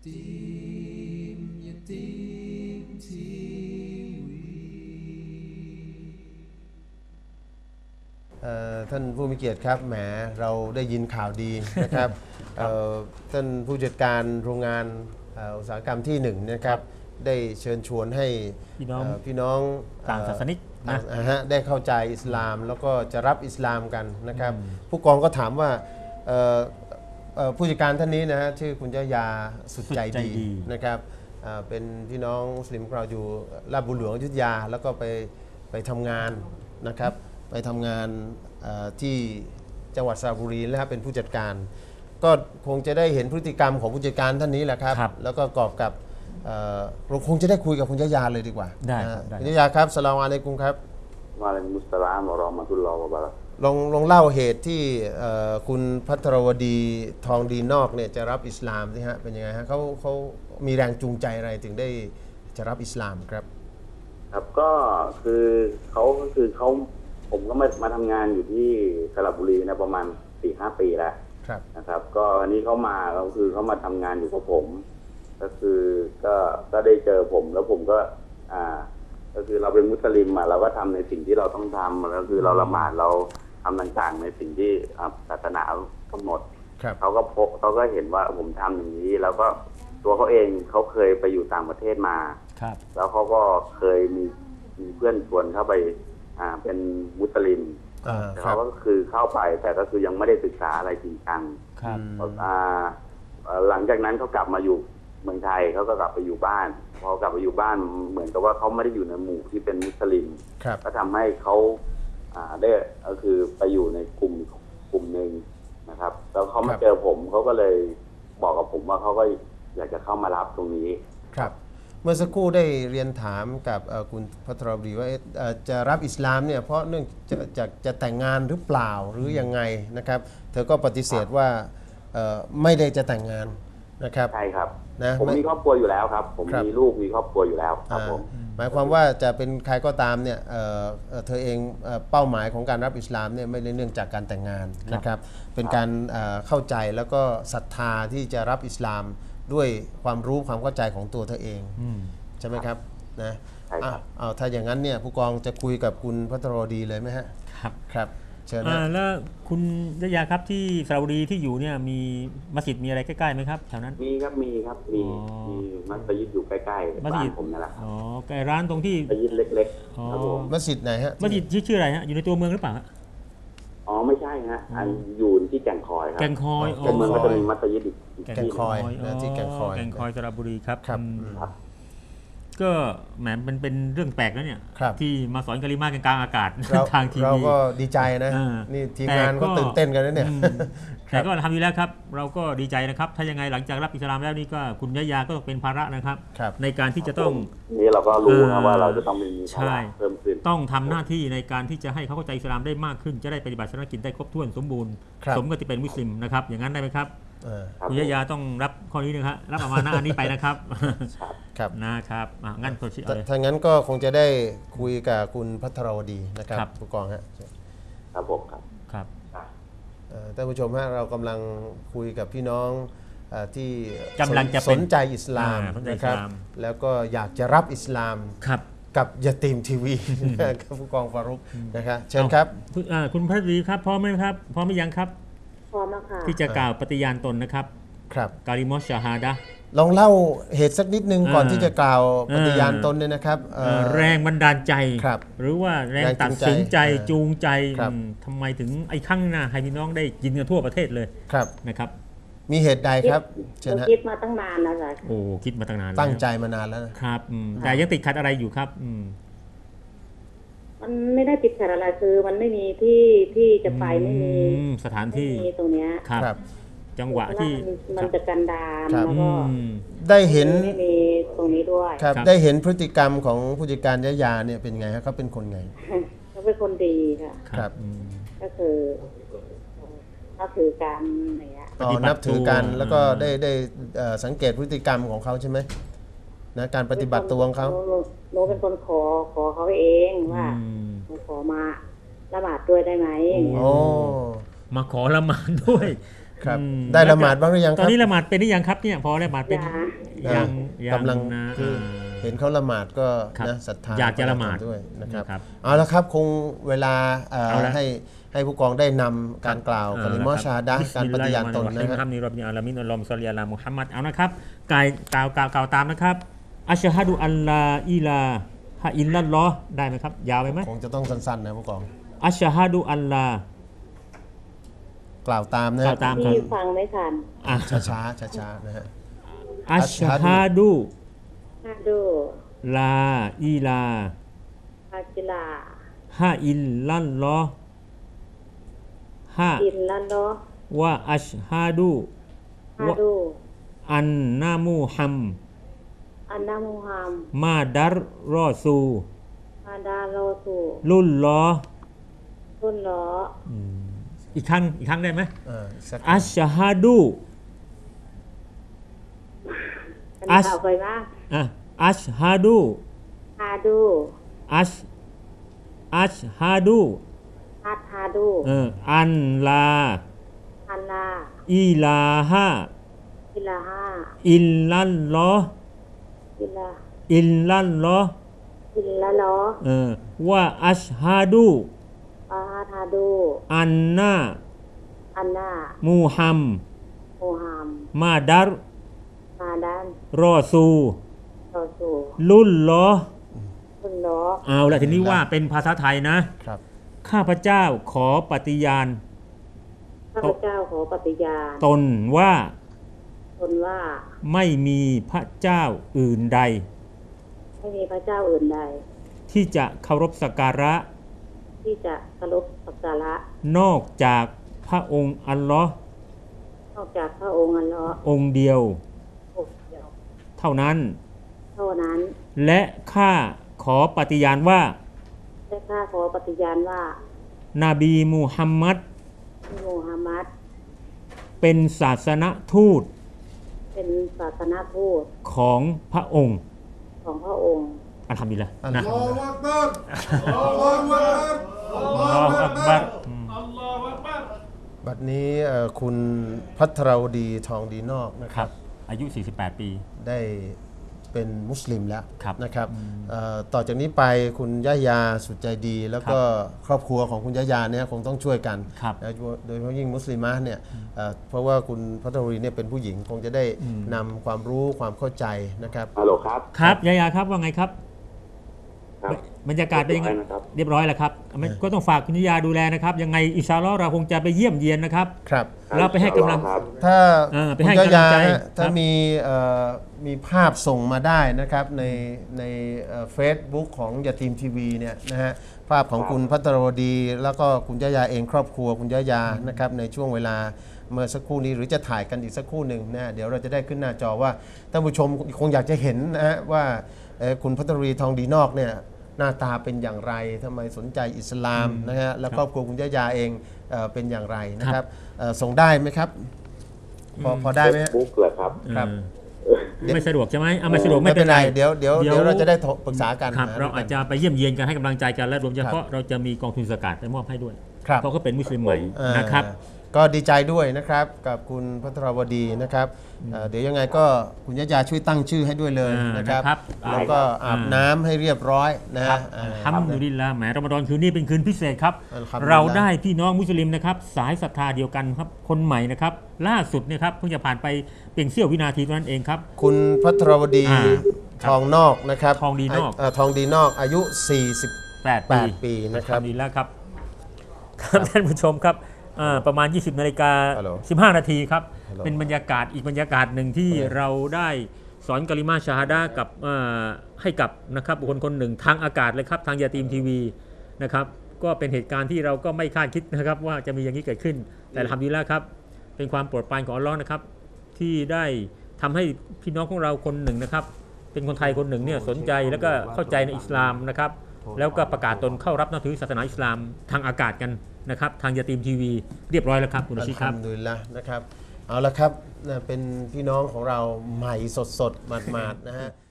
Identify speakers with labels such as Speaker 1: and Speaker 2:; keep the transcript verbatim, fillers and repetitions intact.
Speaker 1: Yatim Yatim ทีวีท่านผู้มีเกียรติครับแหมเราได้ยินข่าวดีนะครับ ท่านผู้จัดการโรงงานอุตสาหกรรมที่หนึ่งนะครับได้เชิญชวนให้พี่น้องพี่น้อง
Speaker 2: ต่างศาสนิกนะ
Speaker 1: ได้เข้าใจอิสลามแล้วก็จะรับอิสลามกันนะครับผู้กองก็ถามว่าผู้จัดการท่านนี้นะฮะชื่อคุณยะยาสุดใจดีนะครับเป็นพี่น้องมุสลิมเราอยู่ลาดบุญหลวงอยุธยาแล้วก็ไปไปทำงานนะครับไปทำงานที่จังหวัดสระบุรีนะครับเป็นผู้จัดการก็คงจะได้เห็นพฤติกรรมของผู้จัดการท่านนี้แหละครับแล้วก็กอบกับเราคงจะได้คุยกับคุณยะยาเลยดีกว่า
Speaker 2: ได้
Speaker 1: คุณยะยาครับสลามอะลัยกุมครับ
Speaker 3: วะอะลัยกุมุสสลามวะเราะห์มะตุลลอฮ์วะบะเราะกาตุฮ์
Speaker 1: ลองลองเล่าเหตุที่คุณภัทรวดีทองดีนอกเนี่ยจะรับอิสลามสิฮะเป็นยังไงฮะเขาเขามีแรงจูงใจอะไรถึงได้จะรับอิสลามครับ
Speaker 3: ครับก็คือเขาก็คือเขาผมก็มามาทำงานอยู่ที่สระบุรีนะประมาณสี่ห้าปีแล้วนะครับก็อันนี้เขามาก็คือเขามาทำงานอยู่กับผมก็คือก็ก็ได้เจอผมแล้วผมก็อ่าก็คือเราเป็นมุสลิมอ่ะเราก็ทำในสิ่งที่เราต้องทำแล้วคือเราละหมาดเราทำต่างๆในสิ่งที่ศาสนากำหนดเขาก็พบเขาก็เห็นว่าผมทำอย่างนี้แล้วก็ตัวเขาเองเขาเคยไปอยู่ต่างประเทศมาแล้วเขาก็เคยมีมีเพื่อนชวนเข้าไปอ่าเป็นมุสลิมเขาก็คือเข้าไปแต่ก็คือยังไม่ได้ศึกษาอะไรจริงจังหลังจากนั้นเขากลับมาอยู่เมืองไทยเขาก็กลับไปอยู่บ้านพอกลับไปอยู่บ้านเหมือนกับว่าเขาไม่ได้อยู่ในหมู่ที่เป็นมุสลิมก็ทำให้เขาได้ก็คือไปอยู่ในกลุ่มกลุ่มหนึ่งนะครับแล้วเขามาเจอผมเขาก็เลยบอกกับผมว่าเขาก็อยากจะเข้ามารับตรงนี้
Speaker 1: ครับเมื่อสักครู่ได้เรียนถามกับคุณภัทรวดีว่าจะรับอิสลามเนี่ยเพราะเนื่องจะจะจะแต่งงานหรือเปล่าหรือยังไงนะครับเธอก็ปฏิเสธว่าไม่ได้จะแต่งงานนะครับ
Speaker 3: ใช่ครับนะผมมีครอบครัวอยู่แล้วครับผมมีลูกมีครอบครัวอยู่แล้วครับผม
Speaker 1: หมายความว่าจะเป็นใครก็ตามเนี่ยเธอเองเป้าหมายของการรับอิสลามเนี่ยไม่ได้เนื่องจากการแต่งงานนะครับเป็นการเข้าใจแล้วก็ศรัทธาที่จะรับอิสลามด้วยความรู้ความเข้าใจของตัวเธอเองใช่ไหมครับนะเอาถ้าอย่างนั้นเนี่ยผู้กองจะคุยกับคุณภัทรวดีเลยไหมฮะ
Speaker 2: ครับ
Speaker 1: ครับเชิญ
Speaker 2: นะแล้วคุณยะยาครับที่สระบุรีที่อยู่เนี่ยมีมัสยิดมีอะไรใกล้ๆไหมครับแถวนั้น
Speaker 3: มีครับมีครับมีมีมัสยิดอยู่ใกล้ๆบ้านผมนั่นแหละ
Speaker 2: อ๋อใกล้ร้านตรงที่
Speaker 3: มัสยิดเล็กๆครับผม
Speaker 1: มัสยิดไหนฮะ
Speaker 2: มัสยิดชื่ออะไรฮะอยู่ในตัวเมืองหรือเปล่า
Speaker 3: อ๋อไม่ใช่ฮะอันอยู่ที่แก่งคอยครับ
Speaker 2: แก่งคอย
Speaker 3: ตัวเมืองก็จะมีมัสยิดอีก
Speaker 1: แก่งคอยนะที่แก่งคอย
Speaker 2: แก่งคอยสระบุรีครับครับก็แหมมันเป็นเรื่องแปลกแล้วเนี่ยที่มาสอนกะลิมากันกลางอากาศทางทีวี
Speaker 1: เราก็ดีใจนะนี่ทีมงานก็ตื่นเต้นกันแล้วเนี่ย
Speaker 2: แต่ก็ทำอยู่แล้วครับเราก็ดีใจนะครับถ้ายังไงหลังจากรับอิสลามแล้วนี่ก็คุณยะยาก็เป็นภาระนะครับในการที่จะต้อง
Speaker 3: นี่เราก็รู้นะว่าเราจะต้องมีภาระเพิ่มขึ้น
Speaker 2: ต้องทำหน้าที่ในการที่จะให้เขาเข้าใจอิสลามได้มากขึ้นจะได้ปฏิบัติศาสนกิจได้ครบถ้วนสมบูรณ์สมกับที่เป็นมุสลิมนะครับอย่างนั้นได้ไหมครับคุณยะยาต้องรับข้อนี้นะครับรับอามานะห์อันนี้ไปนะครับ
Speaker 1: ครับ
Speaker 2: นะครับงั้นตัวชี้
Speaker 1: ถ้างั้นก็คงจะได้คุยกับคุณภัทรวดีนะครับผู้กองฮะ
Speaker 3: ครับผมครับ
Speaker 2: ครับ
Speaker 1: ท่านผู้ชมฮะเรากำลังคุยกับพี่น้องที่
Speaker 2: กำลังจะ
Speaker 1: สนใจอิสลามนะครับแล้วก็อยากจะรับอิสลามกับยะตีมทีวีกับผู้กองฟารุกนะครับเชิญครับ
Speaker 2: คุณภัทรวดีครับพร้อมไหมครับพร้อมหรือยังครับ
Speaker 4: พร้อมแล้วค่ะ
Speaker 2: ที่จะกล่าวปฏิญาณตนนะครับ
Speaker 1: ครับ
Speaker 2: กาลิมอชชาฮาดะห์
Speaker 1: ลองเล่าเหตุสักนิดนึงก่อนที่จะกล่าวปฏิญาณตนเนี่ยนะครับ
Speaker 2: แรงบันดาลใจหรือว่าแรงตัดสินใจจูงใจทำไมถึงไอ้ข้างหน้าให้พี่น้องได้ยินกันทั่วประเทศเลยนะครับ
Speaker 1: มีเหตุใดครับ
Speaker 4: เชิญฮะคิดมาตั้งนานนะจ๊ะ
Speaker 2: โอ้คิดมาตั้งนาน
Speaker 1: ตั้งใจมานานแล้ว
Speaker 2: ครับแต่ยังติดขัดอะไรอยู่ครับ
Speaker 4: มันไม่ได้ติดขัดอะไรคือมันไม่มีที่ที่จะไปไม่มี
Speaker 2: สถานที่
Speaker 4: ตรงเนี้ย
Speaker 2: ครับจังหวะที่
Speaker 4: มันจะกันดารแล้วก็
Speaker 1: ได้เห็น
Speaker 4: ไม่มีตรงนี้ด้วย
Speaker 1: ครับได้เห็นพฤติกรรมของผู้จัดการยะยาเนี่ยเป็นไงฮะเขาเป็นคนไง
Speaker 4: เขาเป็นคนดีค่ะ
Speaker 1: ครับ
Speaker 4: ก็คือนับถือกันอะไรเงี้ย
Speaker 1: อ๋อนับถือกันแล้วก็ได้ได้สังเกตพฤติกรรมของเขาใช่ไหมนะการปฏิบัติตัวของเขา
Speaker 4: โนเป็นคนขอขอเขาเองว่าขอมาละหมาดด้วยได้ไหม
Speaker 1: โอ้
Speaker 2: มาขอละหมาดด้วย
Speaker 1: ครับ
Speaker 2: อืม
Speaker 1: ได้ละหมาดบ้างหรือยังค
Speaker 2: ตอ
Speaker 1: รั
Speaker 2: น
Speaker 1: บ
Speaker 2: นี้ละหมาดเป็นหรือยังครับเนี่ยพอละหมาดเป็น
Speaker 4: ยัง
Speaker 2: ยังยัง
Speaker 1: กำลัง
Speaker 2: นะ
Speaker 1: คือ
Speaker 2: อ่า
Speaker 1: เห็นเขาละหมาดก็
Speaker 2: ครับ
Speaker 1: นะศรัทธา
Speaker 2: อยากจะละหมาด
Speaker 1: ด้วยนะครับ
Speaker 2: นะครับ
Speaker 1: เอาละครับคงเวลาเอ่อ
Speaker 2: เอาละ
Speaker 1: ให้ให้ผู้กองได้นำการกล่าวกลิมอชาฮาดะห์การปฏิญาณตนนะ
Speaker 2: นะ
Speaker 1: ค
Speaker 2: ค
Speaker 1: รั
Speaker 2: รับบ นี่รอบนี้อัลลอฮ์มินอัลลอฮ์มุศ็อลลิอะลามุฮัมมัดเอานะครับกายกล่าวกล่าวกล่าวตามนะครับอัชฮะดุอัลลาอิลาฮะอิลลัลลอฮ์ได้ไหมครับยาวไปไหม
Speaker 1: คงจะต้องสั้นๆนะผู้กอง
Speaker 2: อัชฮะดุอัลลาก
Speaker 1: ล่าวตามนะ
Speaker 2: กล่าวตาม
Speaker 4: ที่ฟังไม่ทัน
Speaker 2: อ่ะ
Speaker 1: ช้าช้าช้าๆช้าๆนะฮะ
Speaker 2: อัชฮะดุ
Speaker 4: ฮาดู
Speaker 2: ลาอิลา
Speaker 4: ฮาจิลา
Speaker 2: ฮะอิลลัลลอฮ์ฮะ
Speaker 4: อินลันโล
Speaker 2: วะอัชฮะดุ
Speaker 4: ฮาดู
Speaker 2: อันนามูฮัม
Speaker 4: อันนามูฮัม
Speaker 2: มาดัรรอซู
Speaker 4: มาดาโลสู
Speaker 2: ลุลลอฮ์
Speaker 4: ตุนล้อ
Speaker 2: อีกครั้งอีกครั้งได้ไหม
Speaker 1: เอออีกสัก
Speaker 2: อัชฮะดุ
Speaker 4: อันนี้ข่าวเคยมาก
Speaker 2: อ่ะอัชฮะดู
Speaker 4: ฮาดู
Speaker 2: อัชอัชฮะดู
Speaker 4: ฮัดฮาดู
Speaker 2: เอออันลา
Speaker 4: อันลา
Speaker 2: อิลาฮะ
Speaker 4: อิลาฮา
Speaker 2: อิลลัลลอฮ์
Speaker 4: อิลา
Speaker 2: อิลลัลลอฮ์
Speaker 4: อิลละล้อ
Speaker 2: เออว่าอัชฮะดู
Speaker 4: อาฮาฮาดู
Speaker 2: อันนา
Speaker 4: อันนา
Speaker 2: มูฮัม
Speaker 4: โมฮัม
Speaker 2: มาดัร
Speaker 4: มาดัน
Speaker 2: รอซู
Speaker 4: โตสู
Speaker 2: ลุลลอฮ์
Speaker 4: ตุนล้อ
Speaker 2: เอาละทีนี้ว่าเป็นภาษาไทยนะ
Speaker 1: ครับ
Speaker 2: ข้าพเจ้าขอปฏิญาณ
Speaker 4: ข้าพเจ้าขอปฏิญาณ
Speaker 2: ตนว่า
Speaker 4: ตนว่า
Speaker 2: ไม่มีพระเจ้าอื่นใด
Speaker 4: ไม่มีพระเจ้าอื่นใด
Speaker 2: ที่จะเคารพสักการะ
Speaker 4: ที่จะเคารพสักการะ
Speaker 2: นอกจากพระองค์อัลลอฮ์
Speaker 4: นอกจากพระองค์อัลเลาะห์
Speaker 2: องค์เดียว
Speaker 4: องค์เดียว
Speaker 2: เท่านั้น
Speaker 4: เท่านั้น
Speaker 2: และข้าขอปฏิญาณว่า
Speaker 4: และข้าขอปฏิญาณว่า
Speaker 2: นบีมูฮัมมัด
Speaker 4: มูฮัมมัด
Speaker 2: เป็นศาสนทูต
Speaker 4: เป็นศาสนทูต
Speaker 2: ของพระองค์
Speaker 4: ของพระองค์
Speaker 2: อัลฮัมดุลิลละห์
Speaker 1: อัล
Speaker 2: นะ
Speaker 1: ฮัมดุลิลลาห์
Speaker 2: อัลลอฮฺอักบัร
Speaker 1: บัดนี้เอ่อคุณพัทรวดีทองดีนอกนะค
Speaker 2: ครั
Speaker 1: รั
Speaker 2: บบ อายุ สี่สิบแปด ปี
Speaker 1: ได้เป็นมุสลิมแล้ว
Speaker 2: ครับ
Speaker 1: นะครับเอ่อต่อจากนี้ไปคุณย่ายาสุดใจดี แล้วก็ครอบครัวของคุณย่ายาเนี่ยคงต้องช่วยกัน
Speaker 2: ครับ
Speaker 1: นะโดยเฉพาะยิ่งมุสลิมะเนี่ยเอ่อเพราะว่าคุณพัทรวดีเนี่ยเป็นผู้หญิงคงจะได้นำความรู้ความเข้าใจนะครับ
Speaker 3: ฮัลโหลครับ
Speaker 2: ครับยายาครับว่าไงครับ
Speaker 3: ครับ
Speaker 2: บรรยากาศเป็นยังไง
Speaker 3: เรียบร้อยนะครับ
Speaker 2: เรียบร้อยแล้วครับไม่ก็ต้องฝากคุณยายาดูแลนะครับ ยังไงอินชาอัลลอฮ์เราคงจะไปเยี่ยมเยียนนะครับ
Speaker 1: ครับ
Speaker 2: เราไปให้กำลัง
Speaker 3: ครับ
Speaker 1: ถ้า
Speaker 2: เออไป
Speaker 1: คุณ
Speaker 2: ให้
Speaker 1: ย่าก
Speaker 2: ำลั
Speaker 1: ยาง
Speaker 2: ใจ
Speaker 1: ฮะถ้า
Speaker 2: ครับ
Speaker 1: มีเอ่อมีภาพส่งมาได้นะครับในในเฟซบุ๊กของยาทีมทีวีเนี่ยนะฮะภาพของคุณพัทรวดี แล้วก็คุณย่ายาเองครอบครัวคุณย่ายานะครับในช่วงเวลาเมื่อสักครู่นี้หรือจะถ่ายกันอีกสักครู่หนึ่งนะเดี๋ยวเราจะได้ขึ้นหน้าจอว่าท่านผู้ชมคงอยากจะเห็นนะฮะว่าเอ่อคุณพัทรวดีทองดีนอกเนี่ยหน้าตาเป็นอย่างไรทำไมสนใจอิสลามนะฮะแล้วครอบครัวคุณย่ายาเองเอ่อเป็นอย่างไรนะครับเอ่อส่งได้ไหมครับพอพอได้ไหมฮะ
Speaker 3: บุ๊กเหรอครับ
Speaker 1: ครับ
Speaker 2: เออไม่สะดวกใช่ไหมเอาไม่สะดวก
Speaker 1: ไม่
Speaker 2: ไม่
Speaker 1: เป็
Speaker 2: เป็น น
Speaker 1: ไร
Speaker 2: ไร
Speaker 1: เดี๋ยวเดี๋ยว
Speaker 2: เดี๋ยว
Speaker 1: เดี๋ยวเราจะได้ปรึกษากัน
Speaker 2: ครับ
Speaker 1: ห
Speaker 2: เราอาจจะไปเยี่ยมเยียนกันให้กำลังใจกันและรวมเฉพาะเราจะมีกองทุนสกัดไปมอบให้ด้วย
Speaker 1: ครับ
Speaker 2: เพราะเขาเป็นมุสลิมใหม่
Speaker 1: อ่า
Speaker 2: นะครับ
Speaker 1: ก็ดีใจด้วยนะครับกับคุณพัทรวดีนะครับเอ่อเดี๋ยวยังไงก็คุณยะยาช่วยตั้งชื่อให้ด้วยเลย
Speaker 2: อ่าน
Speaker 1: นะครับ
Speaker 2: นะครับ
Speaker 1: แล้วก็อาบน้ำให้เรียบร้อยนะฮะอ่า
Speaker 2: ทำดูดินละแหมรอมฎอนคืนนี้เป็นคืนพิเศษครับ
Speaker 1: อัลฮัมดุลิลลาห์
Speaker 2: เราได้พี่น้องมุสลิมนะครับสายศรัทธาเดียวกันครับคนใหม่นะครับล่าสุดเนี่ยครับเพิ่งจะผ่านไปเพียงเสี้ยววินาทีเท่านั้นเองครับ
Speaker 1: คุณพัทรวดี
Speaker 2: อ่า
Speaker 1: ทองนอกนะครับ
Speaker 2: ทองดีนอก
Speaker 1: เทองดีนอกอายุ สี่สิบ
Speaker 2: แปด
Speaker 1: แปดปีนะครับ
Speaker 2: ดีแล้วครับครับท่านผู้ชมครับอ่าประมาณ ยี่สิบนาฬิกา
Speaker 1: ฮัลโหล
Speaker 2: สิบห้านาทีครับ
Speaker 1: ฮัลโหล
Speaker 2: เป็นบรรยากาศอีกบรรยากาศหนึ่งที่
Speaker 1: ฮัลโหล
Speaker 2: เราได้สอนกะลิมาชาฮาดะห์กับอ่าให้กับนะครับบุคคลคนหนึ่งทางอากาศเลยครับทางยาตีมทีวีนะครับก็เป็นเหตุการณ์ที่เราก็ไม่คาดคิดนะครับว่าจะมีอย่างนี้เกิดขึ้น แต่ทำดีแล้วครับเป็นความโปรดปรานของอัลเลอฮ์นะครับที่ได้ทำให้พี่น้องของเราคนหนึ่งนะครับเป็นคนไทยคนหนึ่งเนี่ยสนใจแล้วก็เข้าใจในอิสลามนะครับแล้วก็ประกาศตนเข้ารับนับถือศาสนาอิสลามทางอากาศกันนะครับทางยาตีมทีวีเรียบร้อยแล้วครับคุณอาชิตครับ
Speaker 1: อัลฮัมดุลิลละห์นะครับเอาละครับนะเป็นพี่น้องของเราใหม่สดๆหมาดๆนะฮะ